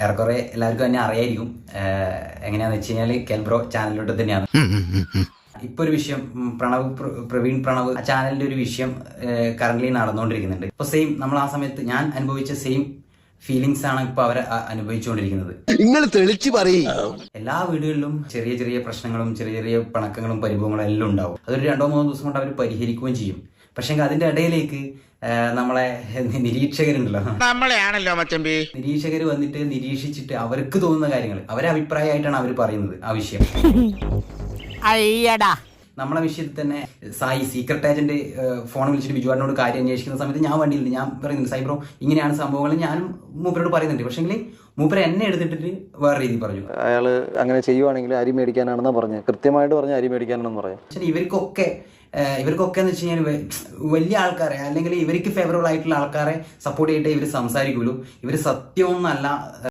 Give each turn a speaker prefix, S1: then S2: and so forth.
S1: ഏറെക്കുറെ എല്ലാവർക്കും തന്നെ അറിയായിരിക്കും. എങ്ങനെയാന്ന് വെച്ച് കഴിഞ്ഞാൽ കെൽബ്രോ ചാനലിലോട്ട് തന്നെയാണ്. ഇപ്പൊ ഒരു വിഷയം പ്രവീൺ പ്രണവ് ചാനലിന്റെ ഒരു വിഷയം കറന്റ് നടന്നുകൊണ്ടിരിക്കുന്നുണ്ട്. ഇപ്പൊ സെയിം നമ്മൾ ആ സമയത്ത് ഞാൻ അനുഭവിച്ച സെയിം ഫീലിങ്സ് ആണ് ഇപ്പൊ അവർ അനുഭവിച്ചുകൊണ്ടിരിക്കുന്നത്.
S2: നിങ്ങൾ തെളിച്ചു പറയും.
S1: എല്ലാ വീടുകളിലും ചെറിയ ചെറിയ പ്രശ്നങ്ങളും ചെറിയ ചെറിയ പിണക്കങ്ങളും പരിഭവങ്ങളും എല്ലാം ഉണ്ടാവും. അതൊരു 2-3 ദിവസം കൊണ്ട് അവർ പരിഹരിക്കുകയും ചെയ്യും. പക്ഷെ അതിന്റെ ഇടയിലേക്ക് നമ്മളെ നിരീക്ഷകരുണ്ടല്ലോ,
S3: നമ്മളെയാണല്ലോ മച്ചമ്പി,
S1: നിരീക്ഷകർ വന്നിട്ട് നിരീക്ഷിച്ചിട്ട് അവർക്ക് തോന്നുന്ന കാര്യങ്ങൾ അവരെ അഭിപ്രായമായിട്ടാണ് അവർ പറയുന്നത്. ആ വിഷയം നമ്മളെ വിഷയത്തിൽ തന്നെ സായി സീക്രട്ട് ഏജന്റ് ഫോൺ വിളിച്ചിട്ട് ബിജുവാടിനോട് കാര്യം അന്വേഷിക്കുന്ന സമയത്ത് ഞാൻ വണ്ടിയിൽ ഞാൻ പറയുന്നുണ്ട്, സൈബ്രോ ഇങ്ങനെയാണ് സംഭവങ്ങൾ ഞാനും മൂപ്പരോട് പറയുന്നുണ്ട്. പക്ഷെങ്കിൽ മൂപ്പര എന്നെ എടുത്തിട്ട് വേറെ രീതി പറഞ്ഞു.
S4: അയാള് അങ്ങനെ ചെയ്യുവാണെങ്കിൽ അരി മേടിക്കാനാണെന്നാ പറഞ്ഞത്, കൃത്യമായിട്ട് പറഞ്ഞ അരി മേടിക്കാനാണെന്ന് പറയാം.
S1: പക്ഷേ ഇവർക്കൊക്കെ എന്ന് വെച്ച് കഴിഞ്ഞാൽ വലിയ ആൾക്കാരെ അല്ലെങ്കിൽ ഇവർക്ക് ഫേവറബിൾ ആയിട്ടുള്ള ആൾക്കാരെ സപ്പോർട്ട് ചെയ്തിട്ട് ഇവർ സംസാരിക്കുള്ളൂ. ഇവർ സത്യമൊന്നല്ല